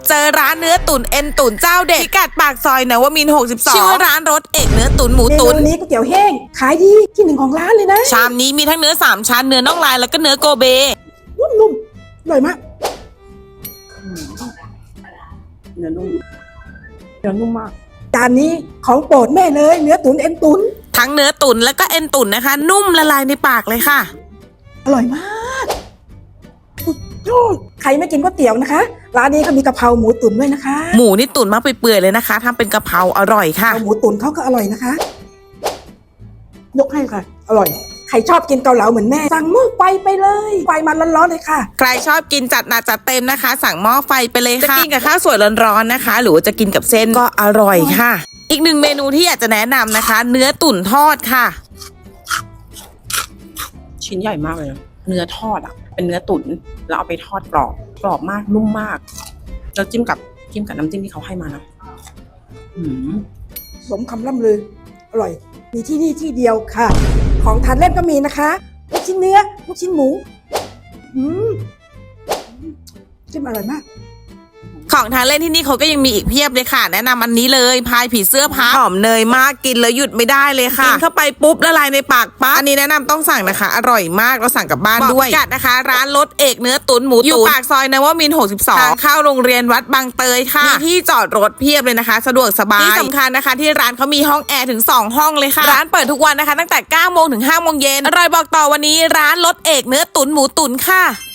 เจอร้านเนื้อตุ๋นเอ็นตุ๋นเจ้าเด็ดพิกัดปากซอยนวมินทร์62ชื่อร้านรสเอกเนื้อตุ๋นหมูตุ๋นเมนูนี้ก๋วยเตี๋ยวแห้งขายดีที่หนึ่งของร้านเลยนะชามนี้มีทั้งเนื้อ3ชั้นเนื้อน่องลายแล้วก็เนื้อโกเบนุ่มๆอร่อยมากเนื้อนุ่มมากจานนี้ของโปรดแม่เลยเนื้อตุ๋นเอ็นตุ๋นทั้งเนื้อตุ๋นแล้วก็เอ็นตุ๋นนะคะนุ่มละลายในปากเลยค่ะอร่อยมากใครไม่กินก๋วยเตี๋ยวนะคะร้านนี้ก็มีกะเพราหมูตุ๋นด้วยนะคะหมูนี่ตุ๋นมากเปื่อยๆเลยนะคะทำเป็นกะเพราอร่อยค่ะหมูตุ๋นเขาก็อร่อยนะคะยกให้ค่ะอร่อยใครชอบกินเกาเหลาเหมือนแม่สั่งหม้อไฟไปเลยไฟมันร้อนๆเลยค่ะใครชอบกินจัดหนักจัดเต็มนะคะ สั่งหม้อไฟไปเลยค่ะจะกินกับข้าวสวยร้อนๆนะคะหรือว่าจะกินกับเส้นก็อร่อยค่ะอีกหนึ่งเมนูที่อยากจะแนะนำนะคะเนื้อตุ๋นทอดค่ะชิ้นใหญ่มากเลยเนื้อทอดอ่ะเป็นเนื้อตุ๋นแล้วเอาไปทอดกรอบมากนุ่มมากแล้วจิ้มกับน้ำจิ้มที่เขาให้มานะสมคำล่ำลืออร่อยมีที่นี่ที่เดียวค่ะของทานเล่นก็มีนะคะลูกชิ้นเนื้อลูกชิ้นหมูจิ้มอร่อยมากของทานเล่นที่นี่เขาก็ยังมีอีกเพียบเลยค่ะแนะนำอันนี้เลยพายผีเสื้อพับหอมเนยมากกินแล้วหยุดไม่ได้เลยค่ะกินเข้าไปปุ๊บละลายในปากปั๊บอันนี้แนะนำต้องสั่งนะคะอร่อยมากเราสั่งกลับบ้านด้วยกัดนะคะร้านรสเอกเนื้อตุ๋นหมูตุ๋นอยู่ปากซอยนวมินทร์62ทางเข้าโรงเรียนวัดบางเตยค่ะมีที่จอดรถเพียบเลยนะคะสะดวกสบายที่สำคัญนะคะที่ร้านเขามีห้องแอร์ถึง2ห้องเลยค่ะร้านเปิดทุกวันนะคะตั้งแต่9 โมงถึง5 โมงเย็นอร่อยบอกต่อวันนี้ร้านรสเอกเนื้อตุ๋นหมูตุ๋นค่ะ